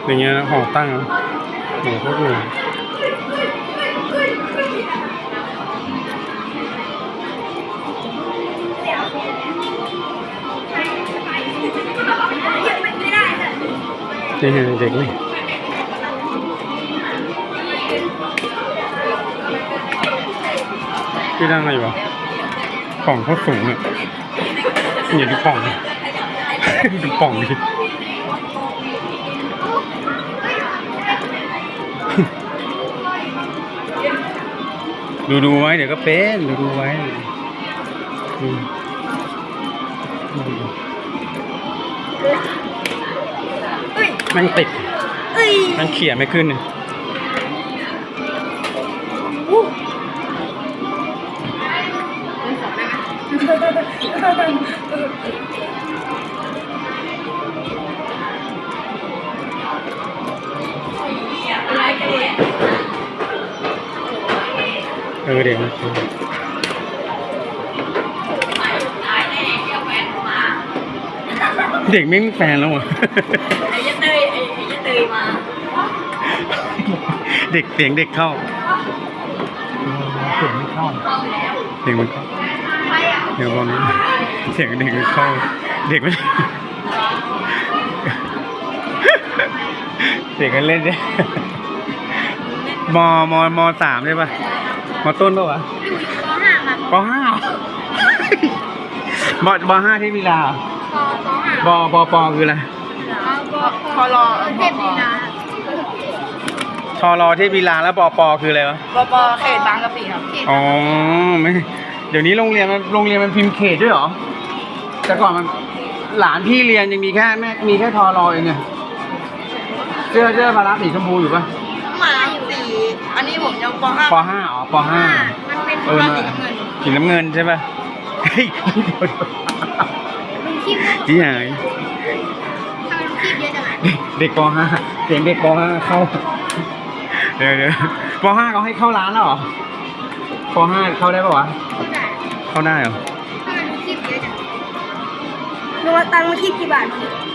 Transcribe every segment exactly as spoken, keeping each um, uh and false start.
อย่างเงี้ยห่อตั้งโหโคตรเลยนี่เด็กนี่พี่นั่งอะไรวะกล่องเขาสูงอ่ะอย่าดูกล่องดูกล่องดิดูดูไว้เดี๋ยวก็เป็นดูดูไว้มันติดมันเขี่ยไม่ขึ้นเลยเออเด็กเด็กไม่มีแฟนแล้วเหรอไอ้ยะเตยไอ้ยะเตยมาเด็กเสียงเด็กเข้าเสียงไม่เข้าเด็กมันเข้าเดี๋ยวบอกนี้เสียงเด็กมันเข้าเด็กมันเด็กกันเล่นเนี่ยมมมสามใช่ป่ะมต้นป่ะวะปห้าปปห้าที่วิลาปปปคืออะไรพอรอเทพลีลาทอรอเทพวิลาแล้วปปคืออะไรวะปปเขตบางกะปิครับอ๋อไม่เดี๋ยวนี้โรงเรียนมันโรงเรียนมันพิมพ์เขตด้วยเหรอแต่ก่อนมันหลานพี่เรียนยังมีแค่แม่มีแค่ทอรอเองไงเสื้อเสื้อพาราสีชมพูอยู่ป่ะมาสีอันนี้ผมยังปห้าปห้าอ๋อปห้ามันเป็นสีน้ำเงินใช่ป่ะเฮ้ยที่ไหนเด็กปห้าเสียงเด็กปห้าเข้าเดี๋ยวเดี๋ยวปห้าเขาให้เข้าร้านแล้วเหรอปห้าเข้าได้ป่ะวะเข้าได้เหรอรวมตังค์มาคิดกี่บาท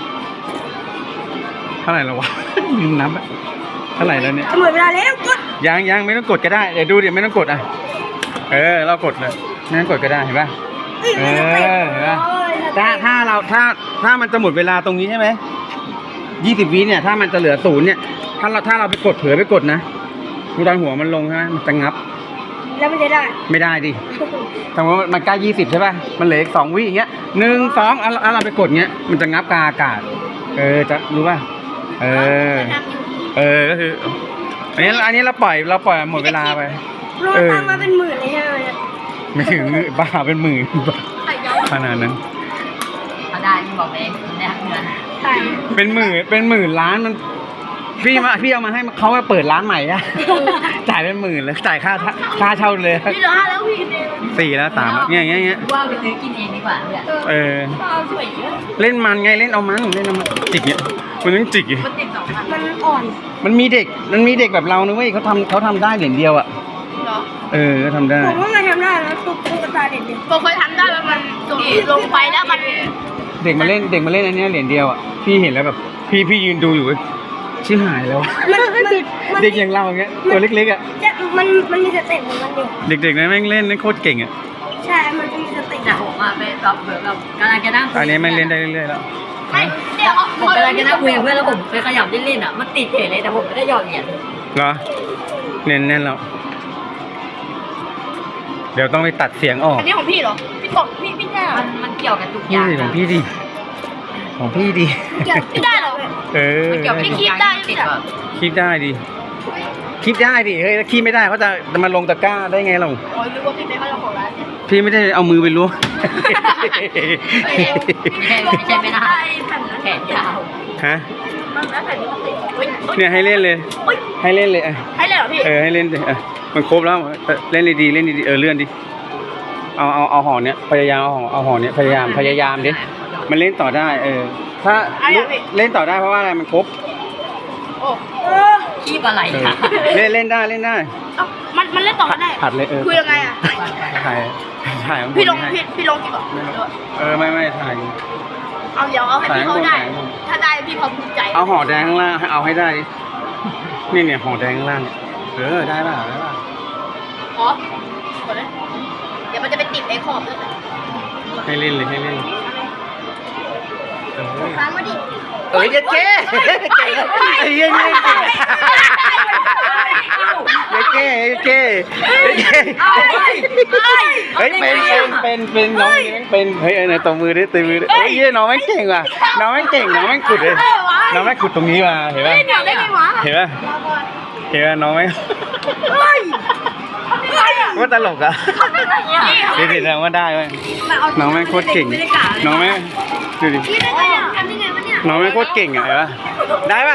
เท่าไหร่แล้ววะลืมนับเท่าไหร่แล้วเนี่ยหมดเวลาแล้วกดยังยังไม่ต้องกดก็ได้เดี๋ยวดูเดี๋ยวไม่ต้องกดอ่ะเออเรากดเลยไม่ต้องกดก็ได้เห็นป่ะเออเห็นป่ะถ้าถ้าเราถ้าถ้ามันจะหมดเวลาตรงนี้ใช่ไหมยี่สิบวิเนี่ยถ้ามันจะเหลือศูนย์เนี่ยถ้าเราถ้าเราไปกดเผื่อไปกดนะดูตอนหัวมันลงใช่ไหมมันจะงับแล้วมันจะได้ไม่ได้ดิสมมติมันใกล้ยี่สิบใช่ป่ะมันเหลืออีกสองวิอย่างเงี้ยหนึ่งสองอ่ะเราไปกดเงี้ยมันจะงับกาอากาศเออจะรู้ป่ะเออเออก็คืออันนี้อันนี้เราปล่อยเราปล่อยหมดเวลาไปรวมตังค์มาเป็นหมื่นเลยใช่ไหมไม่ถึงบ้าเป็นหมื่นขนาดนั้นได้บอกเองเนี่ยเงินเป็นหมื่นเป็นหมื่นล้านมันพี่มาพี่เอามาให้เขามาเปิดร้านใหม่อะจ่ายเป็นหมื่นเลยจ่ายค่าค่าเช่าเลยพี่ร้านแล้วพี่สี่แล้วสามเงี้ยเงี้ยเงี้ยว่าไปซื้อกินเองดีกว่าเนี่ยเออเล่นมันไงเล่นเอามันเล่นเอามันจิกเนี่ยมันต้องจิกมันติดสองพันมันอ่อนมันมีเด็กมันมีเด็กแบบเรานะเว้ยเขาทำเขาทำได้เหรียญเดียวอะเออก็ทำได้ผมว่ามันทำได้นะตุ๊กตุ๊กตาเด็กๆผมเคยทำได้แล้วมันลงไปแล้วมันเด็กมาเล่นเด็กมาเล่นอันนี้เหรียญเดียวอ่ะพี่เห็นแล้วแบบพี่พี่ยืนดูอยู่ชื่อหายแล้วเด็กอย่างเราเงี้ยตัวเล็กๆอ่ะมันมันมีสเต็ปของมันอยู่เด็กๆนะแม่งเล่นเล่นโคตรเก่งอ่ะใช่มันมีสเต็ปแต่ผมมาไปแบบแบบกำลังจะนั่งอันนี้แม่งเล่นได้เรื่อยๆแล้วเดี๋ยวผมกำลังจะนั่งคุยกับเพื่อนแล้วผมไปขยับเล่นๆอ่ะมันติดเฉยเลยแต่ผมไม่ได้หยอดเหรียญเหรอเน้นแน่นแล้วเดี๋ยวต้องไปตัดเสียงออกอันนี้ของพี่เหรอพี่กบพี่พี่แน่มันมันเกี่ยวกับทุกอย่างของพี่ดิของพี่ดิเกี่ยวไม่ได้หรอเออเกี่ยวไม่คิดได้ติดเหรอคิดได้ดิคิดได้ดิเฮ้ยถ้าคิดไม่ได้เขาจะจะมาลงตะกร้าได้ไงเราโอ้ยรู้ว่าพี่เป็นเจ้าของร้านพี่ไม่ได้เอามือไปล้วงไม่ใช่ไม่ได้แขนยาวฮะเนี่ยให้เล่นเลยให้เล่นเลยอ่ะให้เล่นเหรอพี่เออให้เล่นเลยอ่ะมันครบแล้วเล่นดีๆเล่นดีๆเออเลื่อนดิเอาเอาเอาห่อเนี้ยพยายามเอาห่อเอาห่อเนี้ยพยายามพยายามดิมันเล่นต่อได้เออถ้าเล่นต่อได้เพราะว่าอะไรมันครบโอ้ขี้ปลาไหลค่ะเล่นเล่นได้เล่นได้มันมันเล่นต่อได้ผัดเลยเออคุยยังไงอ่ะถ่ายถ่ายพี่ลงพี่พี่ลงกี่บอกเออไม่ไม่ถ่ายเอาเดี๋ยวเอาให้พี่เขาได้ ถ้าได้พี่เขาภูมิใจเอาห่อแดงข้างล่างให้เอาให้ได้ดินี่เนี่ยห่อแดงข้างล่างเนี่ยเออได้ป่ะได้ป่ะขอขอเลยเดี๋ยวมันจะไปติดไอ้ขอบด้วยแหละให้เล่นเลยให้เล่นเออค้างมาดิเอ้ยเจ๊เจ๊เจ๊ไอ้เหี้ยนี่เก่งเจ๊เจ๊เจ๊เฮ้ยเป็นเป็นเป็นเป็นน้องนี่แม่งเป็นเฮ้ยเออตบมือดิตบมือดิเฮ้ยเหี้ยน้องแม่งเก่งว่ะน้องแม่งเก่งน้องแม่งขุดเลยน้องแม่งขุดตรงนี้มาเห็นป่ะเดี๋ยวได้ไงวะเห็นป่ะเห็นป่ะน้องแม่งว่าตลกอ่ะเด็ดๆนะว่าได้เว้ยน้องแม่งโคตรเก่งน้องแม่งดูดิพี่ได้ไงอ่ะทำได้ไงวะเนี่ยน้องแม่งโคตรเก่งอ่ะเห็นป่ะได้ป่ะ